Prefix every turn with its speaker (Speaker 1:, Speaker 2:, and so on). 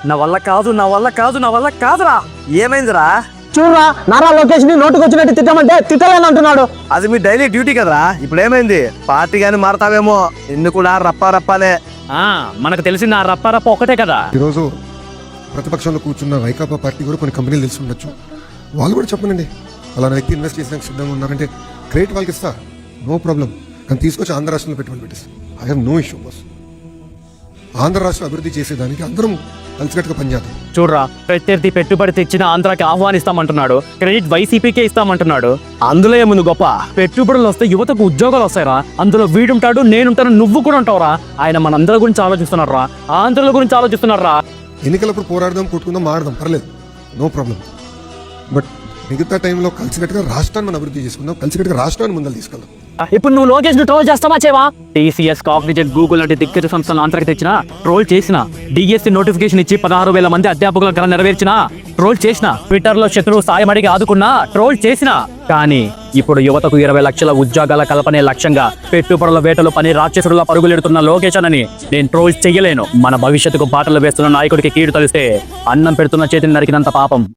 Speaker 1: నా వల్ల కాదు నా వల్ల కాదు నా వల్ల కాదురా. ఏమైందిరా?
Speaker 2: చూడరా, నారా లోకేష్ ని నోటుకు వచ్చినట్టు తిట్టమంటే తిట్టలేని అంటున్నాడు.
Speaker 1: అది మీ డైలీ డ్యూటీ కదరా. ఇప్పుడు ఏమైంది? పార్టీ గాని మారతావేమో. ఎందుకు కూడా రప్పా రప్పానే. మనకు తెలిసిన రప్పా రప్ప ఒకటే కదా.
Speaker 3: ఈరోజు ప్రతిపక్షంలో కూర్చున్న వైకాపా పార్టీ కూడా కొన్ని కంపెనీలు తెలిసి ఉండొచ్చు. వాళ్ళు కూడా చెప్పనండి, అలాంటి వ్యక్తి ఇన్వెస్ట్ చేసేందుకు సిద్ధంగా ఉన్నారంటే క్రెడిట్ వాళ్ళకి ఇస్తా, నో ప్రాబ్లం. కానీ తీసుకొచ్చి ఆంధ్ర రాష్ట్రంలో పెట్టుబడి పెట్టేసి I have no issue boss. Andhra రాష్ట్రం అభివృద్ధి చేసేదానికి అందరం కలిసికట్టుగా పనిచేద్దాం.
Speaker 4: చూడరా, ప్రత్యర్థి పెట్టుబడి తెచ్చిన ఆంధ్రాకి ఆహ్వానిస్తామంటున్నాడు, క్రెడిట్ వైసీపీకే ఇస్తామంటున్నాడు. అందులో ఏముంది గొప్ప? పెట్టుబడులు వస్తే యువతకు ఉద్యోగాలు వస్తాయిరా. అందులో వీడుంటాడు, నేనుంటాను, నువ్వు కూడా ఉంటావురా. ఆయన మనందరి గురించి ఆలోచిస్తున్నారా, ఆంధ్రుల గురించి ఆలోచిస్తున్నారా.
Speaker 3: ఎన్నికలప్పుడు పోరాడదాం, కొట్టుకుందాం, మాడదాం, పర్లేదు, నో ప్రాబ్లం. బట్ మిగతా టైంలో కలిసికట్టుగా రాష్ట్రాన్ని మనం అభివృద్ధి చేసుకుందాం, కలిసికట్టుగా రాష్ట్రాన్ని ముందర తీసుకెళ్దాం.
Speaker 4: ఇప్పుడు నువ్వు లోకేష్ ను ట్రోల్ చేస్తావా చేవా? టీసీఎస్, కాగ్నిజెంట్, గూగుల్ లాంటి దిగ్గజ సంస్థలను ఆంధ్రాకి తెచ్చిన, ట్రోల్ చేసిన, డిఎస్సి నోటిఫికేషన్ ఇచ్చి 16,000 మంది అధ్యాపకుల కళ నెరవేర్చిన, ట్రోల్ చేసిన, ట్విట్టర్ లో శత్రువు సాయం అడిగి ఆదుకున్నా, ట్రోల్ చేసిన. కానీ ఇప్పుడు యువతకు 20 లక్షల ఉద్యోగాల కల్పనే లక్ష్యంగా పెట్టుబడుల వేటలు పని రాక్షసుడులా పరుగులెడుతున్న లోకేష్ అని నేను ట్రోల్ చెయ్యలేను. మన భవిష్యత్తుకు బాటలు వేస్తున్న నాయకుడికి కీడు తలిస్తే అన్నం పెడుతున్న చేతిని నరికినంత పాపం.